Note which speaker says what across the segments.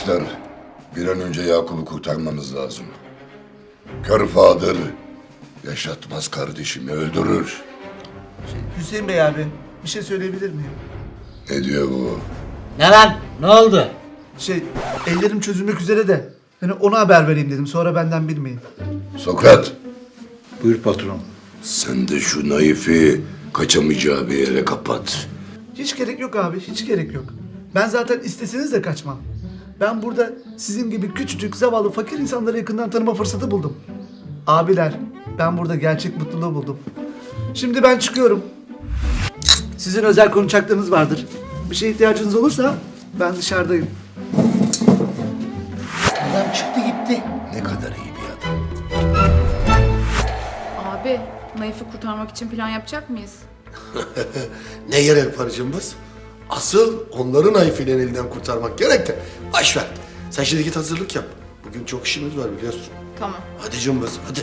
Speaker 1: Arkadaşlar, bir an önce Yakup'u kurtarmamız lazım. Kör Fadır yaşatmaz kardeşimi, öldürür.
Speaker 2: Hüseyin Bey abi, bir şey söyleyebilir miyim?
Speaker 1: Ne diyor bu?
Speaker 3: Ne lan? Ne oldu?
Speaker 2: Ellerim çözülmek üzere de. Hani ona haber vereyim dedim, sonra benden bilmeyin.
Speaker 1: Sokrat,
Speaker 4: Buyur patron.
Speaker 1: sen de şu Naif'i kaçamayacağı bir yere kapat.
Speaker 2: Hiç gerek yok abi, hiç gerek yok. Ben zaten isteseniz de kaçmam. Ben burada sizin gibi küçücük, zavallı, fakir insanları yakından tanıma fırsatı buldum. Abiler, ben burada gerçek mutluluğu buldum. Şimdi ben çıkıyorum. Sizin özel konuşacaklarınız vardır. Bir şeye ihtiyacınız olursa ben dışarıdayım.
Speaker 3: Adam çıktı gitti.
Speaker 1: Ne kadar iyi bir adam.
Speaker 5: Abi, Naif'i kurtarmak için plan yapacak mıyız?
Speaker 6: Ne gerek var cımbız? Asıl onların Ayfi'nin elinden kurtarmak gerek de. Boş ver. Sen şimdi git hazırlık yap. Bugün çok işimiz var biliyorsun.
Speaker 5: Tamam.
Speaker 6: Hadi cımbız hadi.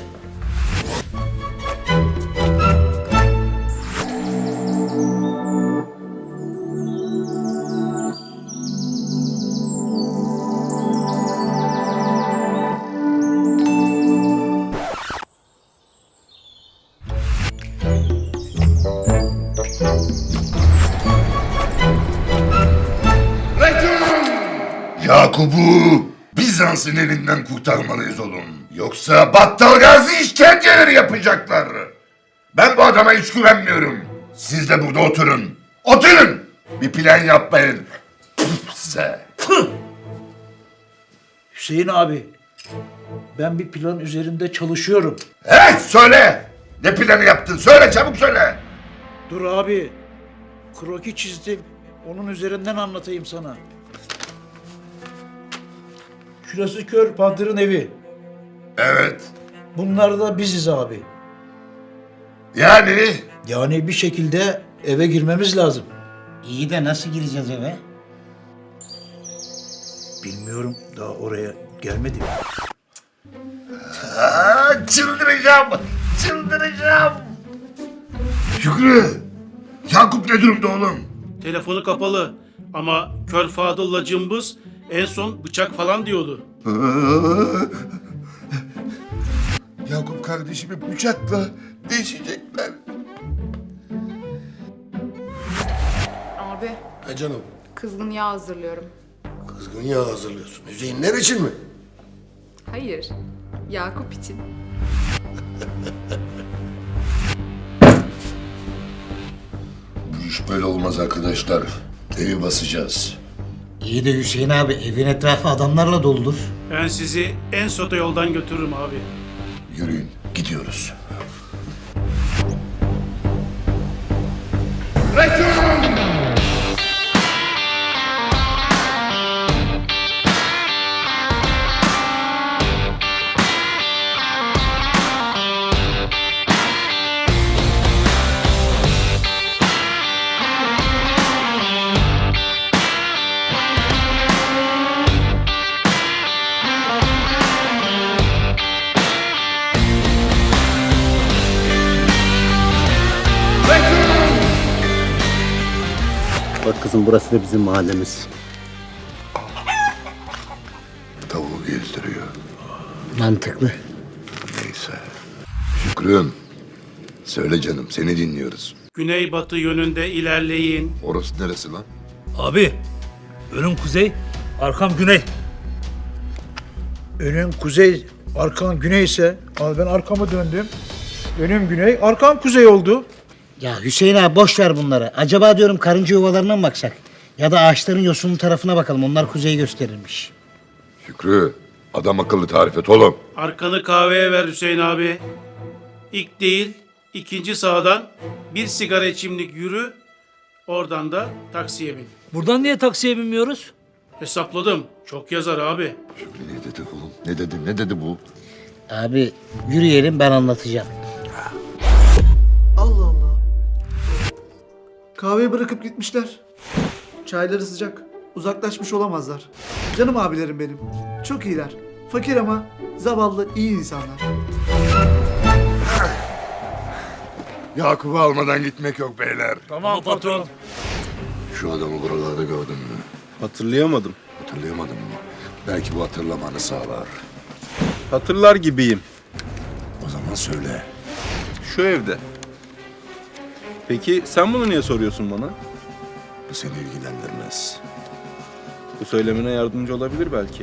Speaker 1: Yakup'u Bizans'ın elinden kurtarmalıyız oğlum. Yoksa Battal Gazi işkenceleri yapacaklar. Ben bu adama hiç güvenmiyorum. Siz de burada oturun. Oturun! Bir plan yapmayın. Püf size.
Speaker 4: Hüseyin abi, ben bir plan üzerinde çalışıyorum.
Speaker 1: Evet söyle! Ne planı yaptın? Söyle çabuk söyle!
Speaker 4: Dur abi, kroki çizdim. Onun üzerinden anlatayım sana. Şurası Kör Padır'ın evi.
Speaker 1: Evet.
Speaker 4: Bunlar da biziz abi.
Speaker 1: Yani
Speaker 4: Yani bir şekilde eve girmemiz lazım.
Speaker 3: İyi de nasıl gireceğiz eve?
Speaker 4: Bilmiyorum, daha oraya gelmedim.
Speaker 1: çıldıracağım. Çıldıracağım. Şükrü. Yakup ne durumda oğlum?
Speaker 7: Telefonu kapalı ama Kör Fadıl'la Cımbız en son bıçak falan diyordu.
Speaker 1: Yakup kardeşimi bıçakla deşecekler.
Speaker 5: Abi,
Speaker 6: Ha canım.
Speaker 5: kızgın yağ hazırlıyorum.
Speaker 6: Kızgın yağ hazırlıyorsun. Hüseyinler için mi?
Speaker 5: Hayır, Yakup için.
Speaker 1: Bu iş böyle olmaz arkadaşlar. Evi basacağız.
Speaker 3: İyi de Hüseyin abi evin etrafı adamlarla doludur.
Speaker 7: Ben sizi en soto yoldan götürürüm abi.
Speaker 1: Yürüyün gidiyoruz.
Speaker 8: Bak kızım, burası da bizim mahallemiz.
Speaker 1: Tavuğu gezdiriyor.
Speaker 3: Mantıklı.
Speaker 1: Neyse. Şükrü'm. Söyle canım seni dinliyoruz.
Speaker 7: Güneybatı yönünde ilerleyin.
Speaker 1: Orası neresi lan?
Speaker 9: Abi, önüm kuzey, arkam güney.
Speaker 4: Önüm kuzey, arkan güney ise, abi ben arkamı döndüm. Önüm güney, arkam kuzey oldu.
Speaker 3: Ya Hüseyin abi boş ver bunları. Acaba diyorum karınca yuvalarına mı baksak? Ya da ağaçların yosunlu tarafına bakalım. Onlar kuzeyi gösterirmiş.
Speaker 1: Şükrü. Adam akıllı tarif et oğlum.
Speaker 7: Arkanı kahveye ver Hüseyin abi. İlk değil, ikinci sağdan bir sigara içimlik yürü. Oradan da taksiye bin.
Speaker 9: Buradan niye taksiye binmiyoruz?
Speaker 7: Hesapladım. Çok yazar abi.
Speaker 1: Şükrü ne dedi oğlum? Ne dedi? Ne dedi bu?
Speaker 3: Abi yürüyelim ben anlatacağım.
Speaker 2: Allah Allah. Kahveyi bırakıp gitmişler. Çayları sıcak. Uzaklaşmış olamazlar. Canım abilerim benim. Çok iyiler. Fakir ama zavallı iyi insanlar.
Speaker 1: Yakup'u almadan gitmek yok beyler.
Speaker 9: Tamam patron.
Speaker 1: Şu adamı buralarda gördün mü?
Speaker 8: Hatırlayamadım.
Speaker 1: Hatırlayamadın mı? Belki bu hatırlamanı sağlar.
Speaker 10: Hatırlar gibiyim.
Speaker 1: O zaman söyle.
Speaker 10: Şu evde. Peki sen bunu niye soruyorsun bana?
Speaker 1: Bu seni ilgilendirmez.
Speaker 10: Bu söylemene yardımcı olabilir belki.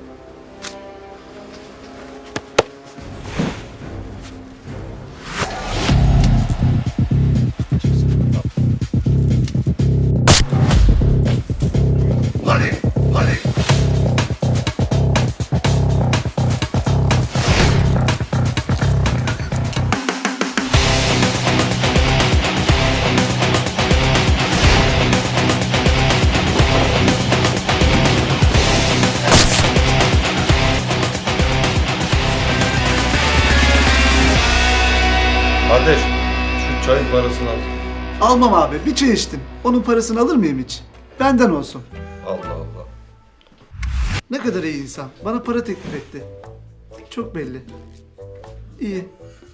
Speaker 1: Hadi, hadi.
Speaker 10: Kardeş, şu çayın parasını al.
Speaker 2: Almam abi. Bir çay içtim. Onun parasını alır mıyım hiç? Benden olsun.
Speaker 10: Allah Allah.
Speaker 2: Ne kadar iyi insan. Bana para teklif etti. Çok belli. İyi.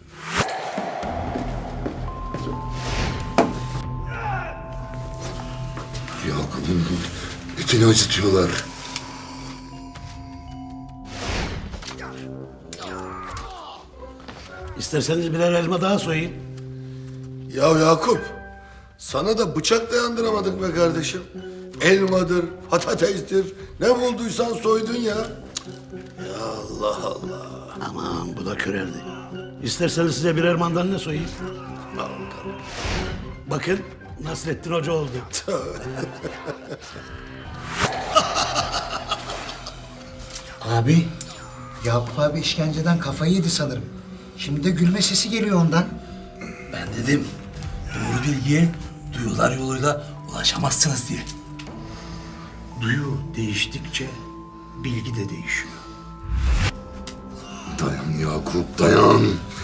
Speaker 1: Yakup'un etini acıtıyorlar.
Speaker 3: İsterseniz birer elma daha soyayım.
Speaker 6: Ya Yakup, sana da bıçak dayandıramadık be kardeşim. Elmadır, patatestir, ne bulduysan soydun ya. Ya Allah Allah.
Speaker 3: Aman bu da körerdi. İsterseniz size birer mandalina soyayım. Bakın Nasrettin Hoca oldu.
Speaker 11: Abi, Yakup abi işkenceden kafayı yedi sanırım. Şimdi de gülme sesi geliyor ondan.
Speaker 9: Ben dedim doğru bilgiye duyular yoluyla ulaşamazsınız diye.
Speaker 11: Duyu değiştikçe bilgi de değişiyor.
Speaker 1: Dayan Yakup, dayan.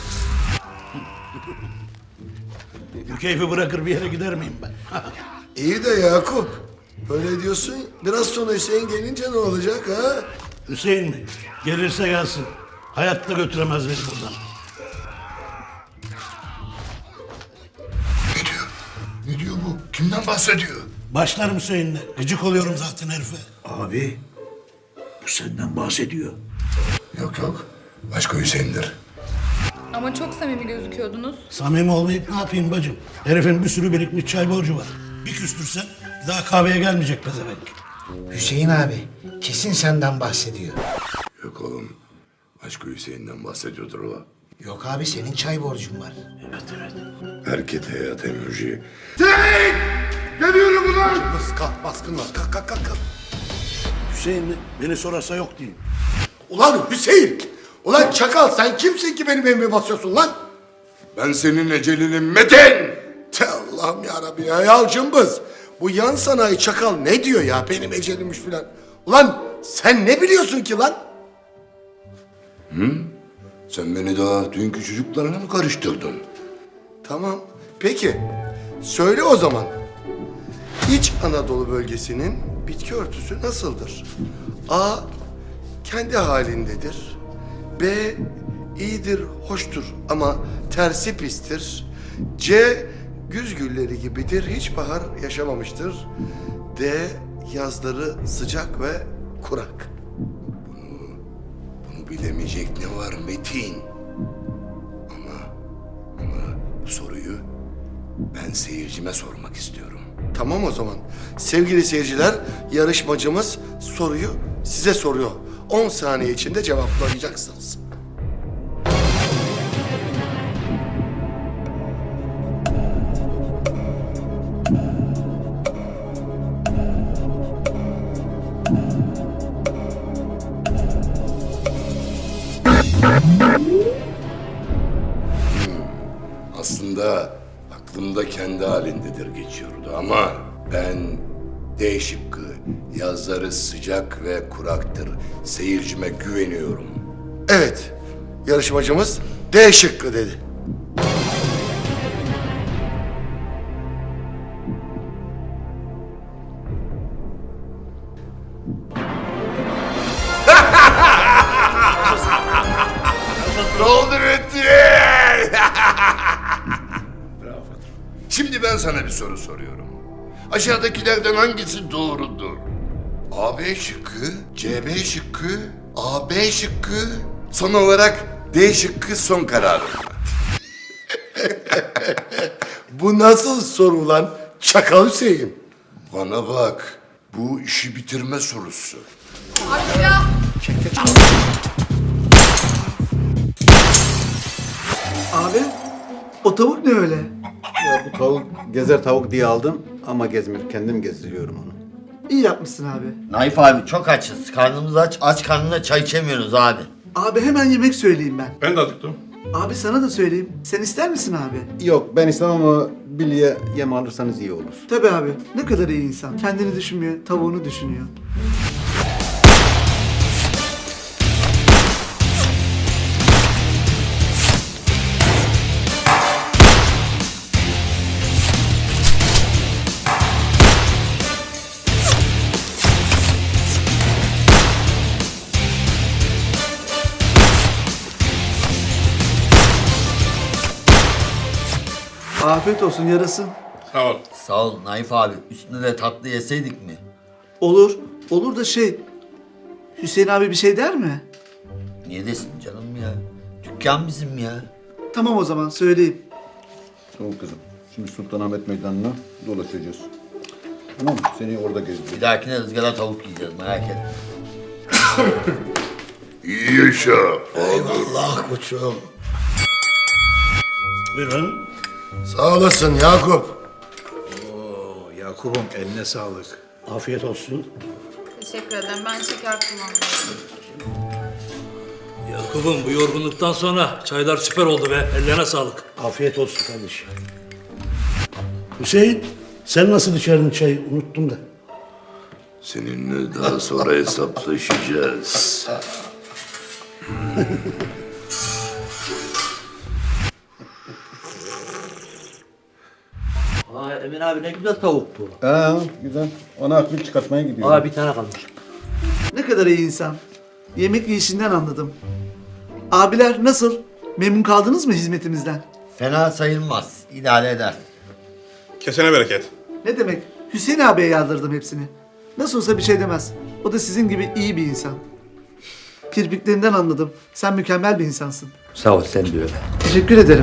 Speaker 3: Bu keyfi bırakır bir yere gider miyim ben?
Speaker 6: İyi de Yakup, böyle diyorsun, biraz sonra Hüseyin gelince ne olacak ha?
Speaker 3: Hüseyin mi? Gelirse gelsin. Hayatta götüremez beni buradan.
Speaker 1: Ne diyor? Ne diyor bu? Kimden bahsediyor?
Speaker 3: Başlarım Hüseyin'le. Gıcık oluyorum zaten herife.
Speaker 11: Abi, bu senden bahsediyor.
Speaker 1: Yok yok. Başka Hüseyin'dir.
Speaker 5: Ama çok samimi gözüküyordunuz.
Speaker 3: Samimi olmayıp ne yapayım bacım? Herifin bir sürü birikmiş çay borcu var. Bir küstürsen bir daha kahveye gelmeyecek pezevenk.
Speaker 11: Hüseyin abi, kesin senden bahsediyor.
Speaker 1: Yok oğlum. Başka Hüseyin'den bahsediyordur o.
Speaker 11: Yok abi, senin çay borcun var.
Speaker 1: Erkete ya Temürci. Tek! Geliyorum ulan!
Speaker 6: Kalk, baskın var, kalk kalk kalk. kalk.
Speaker 3: Hüseyin mi? Beni sorarsa yok diyeyim.
Speaker 6: Ulan Hüseyin! Ulan çakal, sen kimsin ki benim evime basıyorsun lan?
Speaker 1: Ben senin ecelinim Metin!
Speaker 6: Allah'ım yarabbi ya cımbız. Bu yan sanayi çakal ne diyor ya, benim ecelimmiş filan. Ulan sen ne biliyorsun ki lan?
Speaker 1: Sen beni daha dünkü çocuklarına mı karıştırdın?
Speaker 6: Tamam, peki. Söyle o zaman. İç Anadolu bölgesinin bitki örtüsü nasıldır? A. Kendi halindedir. B. İyidir, hoştur ama tersi pistir. C. Güz gülleri gibidir, hiç bahar yaşamamıştır. D. Yazları sıcak ve kurak.
Speaker 1: Bunu bilemeyecek ne var Metin? Ama bu soruyu ben seyircime sormak istiyorum.
Speaker 6: Tamam o zaman. Sevgili seyirciler, yarışmacımız soruyu size soruyor. 10 saniye içinde cevaplayacaksınız.
Speaker 1: Aslında aklımda kendi halindedir geçiyordu ama ben D şıkkı, yazları sıcak ve kuraktır. Seyircime güveniyorum.
Speaker 6: Evet, yarışmacımız D şıkkı dedi.
Speaker 1: Ne oldu Metin? Şimdi ben sana bir soru soruyorum. Aşağıdakilerden hangisi doğrudur? AB şıkkı, CB şıkkı, AB şıkkı, son olarak D şıkkı son kararım.
Speaker 6: Bu nasıl soru lan? Çakal Hüseyin.
Speaker 1: Bana bak, bu işi bitirme sorusu.
Speaker 5: Hadi ya.
Speaker 2: Abi o tavuk ne öyle?
Speaker 8: Ya bu tavuk gezer tavuk diye aldım ama gezmiyor. Kendim gezdiriyorum onu.
Speaker 2: İyi yapmışsın abi.
Speaker 12: Naif abi çok açız. Karnımız aç. Aç karnına çay içemiyoruz abi.
Speaker 2: Abi hemen yemek söyleyeyim ben.
Speaker 10: Ben de acıktım.
Speaker 2: Abi sana da söyleyeyim. Sen ister misin abi?
Speaker 8: Yok ben istemem ama Billy'e yem alırsanız iyi olur.
Speaker 2: Tabii abi. Ne kadar iyi insan. Kendini düşünmüyor, tavuğunu düşünüyor. Afiyet olsun yarasın.
Speaker 10: Sağ ol.
Speaker 12: Sağ ol Naif abi. Üstüne de tatlı yeseydik mi?
Speaker 2: Olur. Olur da Hüseyin abi bir şey der mi?
Speaker 12: Niye desin canım ya? Dükkan bizim ya.
Speaker 2: Tamam o zaman söyleyeyim.
Speaker 8: Tamam kızım. Şimdi Sultanahmet Meydanı'na dolaşacağız. Tamam mı? Seni orada gezdireceğim.
Speaker 12: Bir dahakine ızgara tavuk yiyeceğiz merak etme.
Speaker 1: İyi yaşa.
Speaker 6: Eyvallah koçum.
Speaker 9: Buyurun.
Speaker 6: Sağ olasın Yakup.
Speaker 4: Yakup'um eline sağlık.
Speaker 9: Afiyet olsun.
Speaker 5: Teşekkür ederim. Ben şeker kullanmıyorum.
Speaker 9: Yakup'um bu yorgunluktan sonra çaylar süper oldu be. Ellerine sağlık. Afiyet olsun kardeşim. Hüseyin, sen nasıl içerdin çayı? Unuttum da.
Speaker 1: Seninle daha sonra hesaplaşacağız.
Speaker 12: Aa Emin abi ne güzel tavuk bu.
Speaker 8: Güzel. Ona akbil çıkartmaya gidiyorum.
Speaker 9: Bir tane kalmış.
Speaker 2: Ne kadar iyi insan. Yemek yiyişinden anladım. Abiler nasıl? Memnun kaldınız mı hizmetimizden?
Speaker 12: Fena sayılmaz. İdare eder.
Speaker 10: Kesene bereket.
Speaker 2: Ne demek? Hüseyin abiye yazdırdım hepsini. Nasıl olsa bir şey demez. O da sizin gibi iyi bir insan. Kirpiklerinden anladım. Sen mükemmel bir insansın.
Speaker 12: Sağ ol sen de öyle.
Speaker 2: Teşekkür ederim.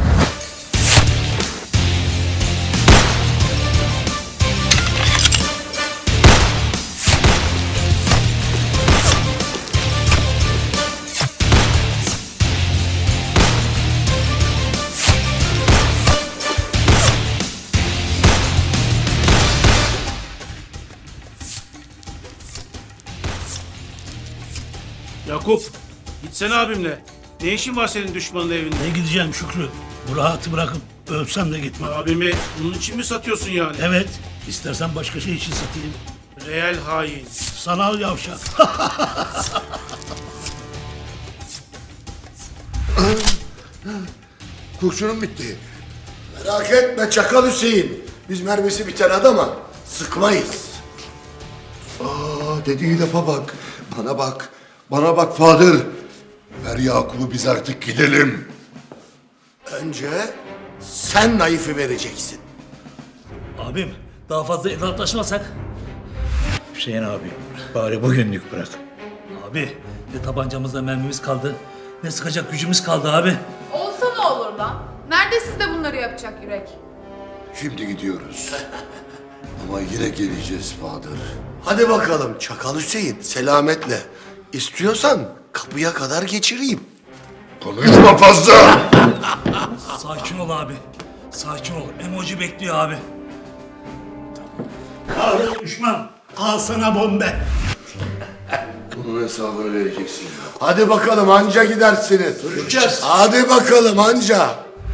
Speaker 7: Yakup, gitsene abimle. Ne işin var senin düşmanın evinde?
Speaker 9: Ne gideceğim Şükrü? Bu rahatı bırakıp ölsem de gitmem.
Speaker 7: Abimi bunun için mi satıyorsun yani?
Speaker 9: Evet, istersen başka şey için satayım.
Speaker 7: Real hain.
Speaker 9: Sanal yavşak.
Speaker 1: Kurşunum bitti.
Speaker 6: Merak etme Çakal Hüseyin. Biz mermisi biten adama sıkmayız.
Speaker 1: Dediği lafa bak. Bana bak. Bana bak Fadır. Ver Yakup'u biz artık gidelim.
Speaker 6: Önce sen Naif'i vereceksin.
Speaker 9: Abim, daha fazla inatlaşmasak.
Speaker 4: Hüseyin abi bari bugünlük bırak.
Speaker 9: Abi, ne tabancamızda mermimiz kaldı, ne sıkacak gücümüz kaldı abi.
Speaker 5: Olsa ne olur lan? Nerede sizde bunları yapacak yürek?
Speaker 1: Şimdi gidiyoruz. Ama yine geleceğiz Fadır.
Speaker 6: Hadi bakalım Çakal Hüseyin selametle. İstiyorsan kapıya kadar geçireyim.
Speaker 1: Konuşma fazla.
Speaker 9: Sakin ol abi, sakin ol. Emoji bekliyor abi. Düşman, al sana bombe.
Speaker 1: Bunun hesabını vereceksin.
Speaker 6: Hadi bakalım anca gidersiniz.
Speaker 2: Görüşeceğiz.
Speaker 6: Hadi bakalım anca.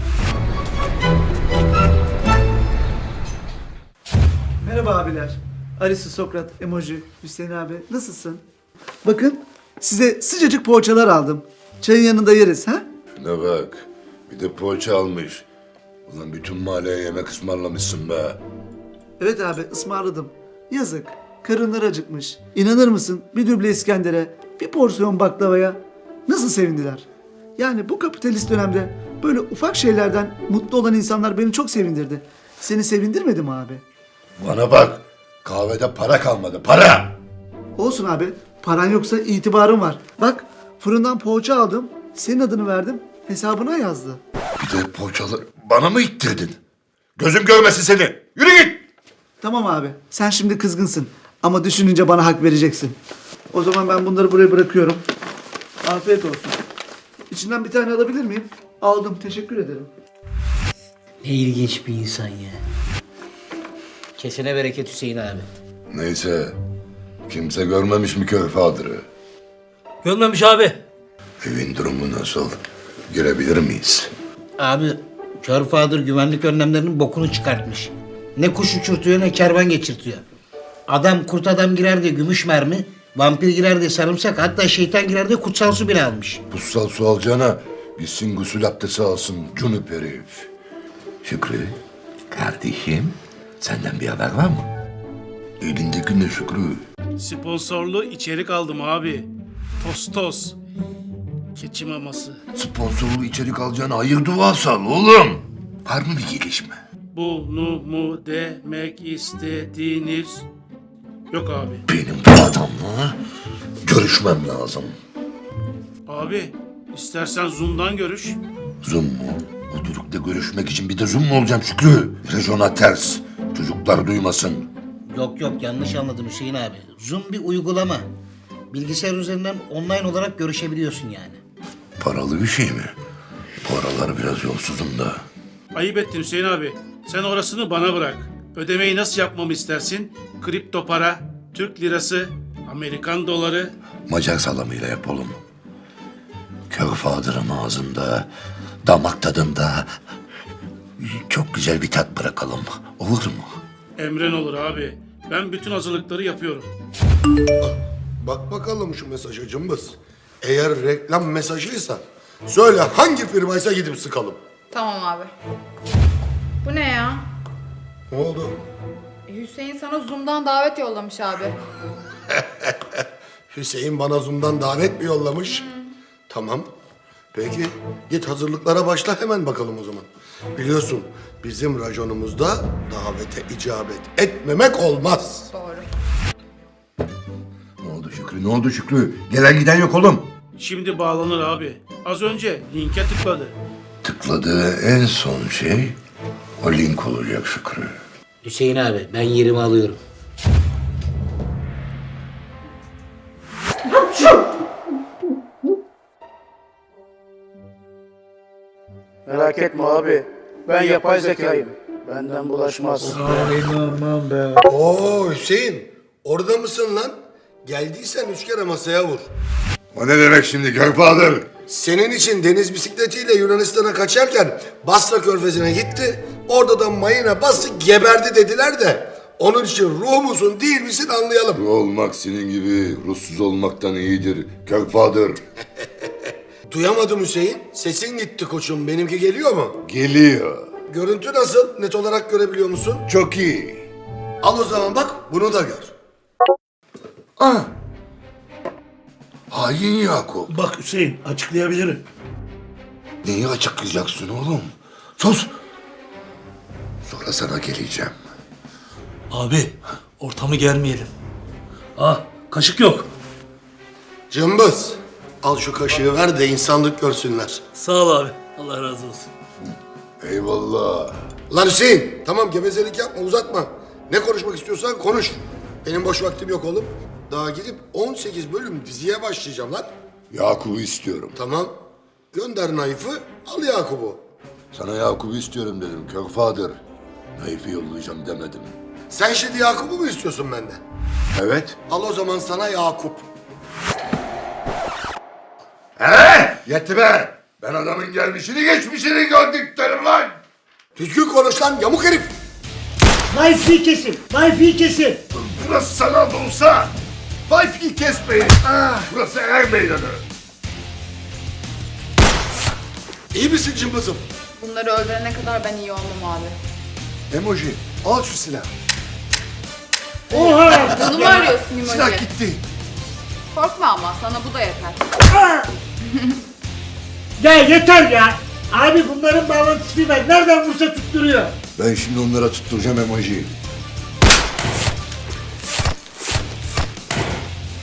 Speaker 2: Merhaba abiler. Alice, Sokrat, Emoji, Hüseyin abi. Nasılsın? Bakın size sıcacık poğaçalar aldım. Çayın yanında yeriz ha?
Speaker 1: Şuna bak. Bir de poğaça almış. Ulan bütün mahalleye yemek ısmarlamışsın be.
Speaker 2: Evet abi ısmarladım. Yazık. Karınlar acıkmış. İnanır mısın bir düble İskender'e, bir porsiyon baklavaya nasıl sevindiler? Yani bu kapitalist dönemde böyle ufak şeylerden mutlu olan insanlar beni çok sevindirdi. Seni sevindirmedi mi abi?
Speaker 1: Bana bak. Kahvede para kalmadı. Para.
Speaker 2: Olsun abi. Paran yoksa itibarın var. Bak fırından poğaça aldım. Senin adını verdim. Hesabına yazdı.
Speaker 1: Bir de poğaçaları bana mı ittirdin? Gözüm görmesin seni. Yürü git.
Speaker 2: Tamam abi. Sen şimdi kızgınsın. Ama düşününce bana hak vereceksin. O zaman ben bunları buraya bırakıyorum. Afiyet olsun. İçinden bir tane alabilir miyim? Aldım. Teşekkür ederim.
Speaker 3: Ne ilginç bir insan ya. Kesene bereket Hüseyin abi.
Speaker 1: Neyse. Kimse görmemiş mi kör Fadır'ı?
Speaker 9: Görmemiş abi.
Speaker 1: Evin durumu nasıl? Girebilir miyiz?
Speaker 3: Abi Kör Fadır güvenlik önlemlerinin bokunu çıkartmış. Ne kuş uçurtuyor ne kervan geçirtiyor. Adam kurt adam girer diye gümüş mermi, vampir girer diye sarımsak, hatta şeytan girer diye kutsal su bile almış.
Speaker 1: Kutsal su alacağına gitsin gusül abdesti alsın cunup herif. Şükrü, kardeşim senden bir haber var mı? Elindeki ne Şükrü?
Speaker 7: Sponsorlu içerik aldım abi. Tostos. Keçi maması.
Speaker 1: Sponsorlu içerik alacağına hayır duası al oğlum. Var mı bir gelişme?
Speaker 7: Bunu mu demek istediğiniz? Yok abi.
Speaker 1: Benim bu adamla görüşmem lazım.
Speaker 7: Abi istersen Zoom'dan görüş.
Speaker 1: Zoom mu? Oturukta görüşmek için bir de Zoom mu olacağım Şükrü? Rejona ters. Çocuklar duymasın.
Speaker 3: Yok yok, yanlış anladın Hüseyin abi. Zoom bir uygulama. Bilgisayar üzerinden online olarak görüşebiliyorsun yani.
Speaker 1: Paralı bir şey mi? Bu aralar biraz yolsuzum da.
Speaker 7: Ayıp ettin Hüseyin abi. Sen orasını bana bırak. Ödemeyi nasıl yapmamı istersin? Kripto para, Türk lirası, Amerikan doları.
Speaker 1: Macar salamıyla yapalım. Kör Fadır'ın ağzında, damak tadında çok güzel bir tat bırakalım. Olur mu?
Speaker 7: Emren olur abi. Ben bütün hazırlıkları yapıyorum.
Speaker 6: Bak bakalım şu mesaja cımbız. Eğer reklam mesajıysa söyle hangi firmaysa gidip sıkalım.
Speaker 5: Tamam abi. Bu ne ya?
Speaker 6: Ne oldu?
Speaker 5: Hüseyin sana Zoom'dan davet yollamış abi.
Speaker 6: Hüseyin bana Zoom'dan davet mi yollamış? Tamam. Peki git hazırlıklara başla hemen bakalım o zaman. Biliyorsun bizim raconumuzda davete icabet etmemek olmaz.
Speaker 5: Doğru.
Speaker 1: Ne oldu Şükrü? Ne oldu Şükrü? Gelen giden yok oğlum.
Speaker 7: Şimdi bağlanır abi. Az önce linke tıkladı.
Speaker 1: Tıkladığı en son şey o link olacak Şükrü.
Speaker 3: Hüseyin abi, ben yerimi alıyorum.
Speaker 4: Merak etme abi. Ben yapay zekayım. Benden bulaşmaz. Aman be.
Speaker 6: Oo Hüseyin orada mısın lan? Geldiysen 3 kere masaya vur.
Speaker 1: O ne demek şimdi Kör Fadır?
Speaker 6: Senin için deniz bisikletiyle Yunanistan'a kaçarken Basra Körfezi'ne gitti. Orada da mayına bastı geberdi dediler de. Onun için ruh musun değil misin anlayalım.
Speaker 1: Bu olmak senin gibi Russuz olmaktan iyidir Kör Fadır.
Speaker 6: Duyamadım Hüseyin. Sesin gitti koçum. Benimki geliyor mu?
Speaker 1: Geliyor.
Speaker 6: Görüntü nasıl? Net olarak görebiliyor musun?
Speaker 1: Çok iyi.
Speaker 6: Al o zaman bak bunu da gör.
Speaker 1: Ah! Hain Yakup.
Speaker 7: Bak Hüseyin, açıklayabilirim.
Speaker 1: Neyi açıklayacaksın oğlum? Sus! Sonra sana geleceğim.
Speaker 9: Abi ortamı germeyelim. Ah, kaşık yok.
Speaker 6: Cımbız. Al şu kaşığı ver de insanlık görsünler.
Speaker 9: Sağ ol abi. Allah razı olsun.
Speaker 1: Eyvallah.
Speaker 6: Lan Hüseyin tamam gevezelik yapma uzatma. Ne konuşmak istiyorsan konuş. Benim boş vaktim yok oğlum. Daha gidip 18 bölüm diziye başlayacağım lan.
Speaker 1: Yakup'u istiyorum.
Speaker 6: Tamam. Gönder Naif'i al Yakup'u.
Speaker 1: Sana Yakup'u istiyorum dedim Kör Fadır. Naif'i yollayacağım demedim.
Speaker 6: Sen şimdi Yakup'u mu istiyorsun benden?
Speaker 1: Evet.
Speaker 6: Al o zaman sana Yakup.
Speaker 1: Yetti be! Ben adamın gelmişini geçmişini gördüklerim lan!
Speaker 6: Düzgün konuş lan yamuk herif.
Speaker 3: Wi-Fi kesin, Wi-Fi kesin.
Speaker 1: Burası sanal da olsa Wi-Fi kesmeyin. Burası er meydanı.
Speaker 6: İyi misin cımbızım?
Speaker 5: Bunları öldürene kadar ben iyi olmam abi.
Speaker 6: Emoji al şu silahı.
Speaker 5: Bunu mu arıyorsun İmoji?
Speaker 6: Silah gitti.
Speaker 5: Korkma ama sana bu da yeter.
Speaker 3: Ya yeter ya. Abi bunların bağlantısı ver. Nereden vursa tutturuyor.
Speaker 1: Ben şimdi onlara tutturacağım emoji.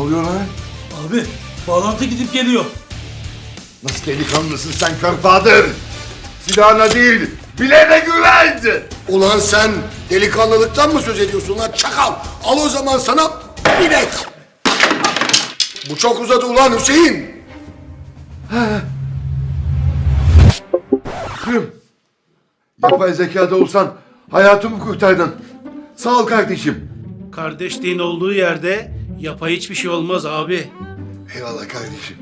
Speaker 1: oluyor lan?
Speaker 9: Abi bağlantı gidip geliyor.
Speaker 1: Nasıl delikanlısın sen Körfadır? Silahına değil, bileğine güven!
Speaker 6: Ulan sen delikanlılıktan mı söz ediyorsun lan çakal? Al o zaman sana bilek. Bu çok uzadı ulan Hüseyin.
Speaker 1: Yapay zekada olsan hayatımı kurtardın. Sağ ol kardeşim.
Speaker 7: Kardeşliğin olduğu yerde yapay hiçbir şey olmaz abi.
Speaker 1: Eyvallah kardeşim.